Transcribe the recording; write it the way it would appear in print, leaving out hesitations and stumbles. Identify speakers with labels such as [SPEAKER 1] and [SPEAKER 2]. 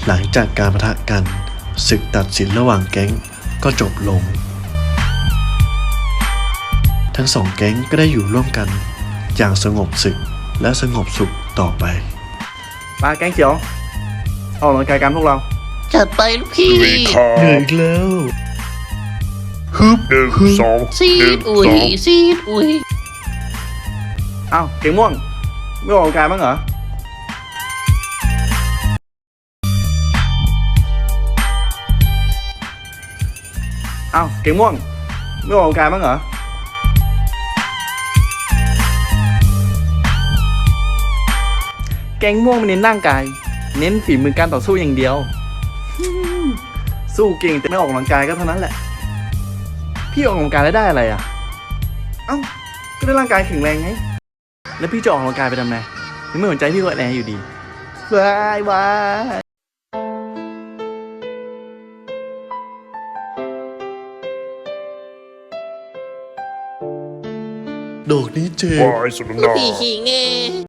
[SPEAKER 1] หลังจากการปะทะกันศึกตัดสินระหว่างแก๊งก็จบลงทั้งสองแก๊งก็ได้อยู่ร่วมกันอย่างสงบศึกและสงบสุขต่อไป
[SPEAKER 2] มาแก๊งเขียวออกกำลังกายกันพวกเรา
[SPEAKER 3] จัดไปลูกพี่
[SPEAKER 1] เหนื่อยอีกแล้วฮึบ
[SPEAKER 3] ซี
[SPEAKER 1] 1
[SPEAKER 3] ดอุ้ยซีดอุ้ย
[SPEAKER 2] อ้าวเก่งม่วงไม่ออกกำลังกายบ้างเหรออ้าวเก่งม่วงไม่ออกกำลังกายบ้างเหรอแก๊งม่วงไม่เน้นร่างกายเน้นฝีมือการต่อสู้อย่างเดียวสู้เก่งแต่ไม่ออกกำลังกายก็เท่านั้นแหละพี่ออกกำลังกายแล้วได้อะไรอ่ะเอ้าก็ได้ร่างกายแข็งแรงไงแล้วพี่จะออกกำลังกายไปทำไมยังไม่สนใจพี่ก็แอนอยู่ดีบายบาย
[SPEAKER 1] ดอกนี้เจ็บ
[SPEAKER 3] ลูกพี่ขิงไง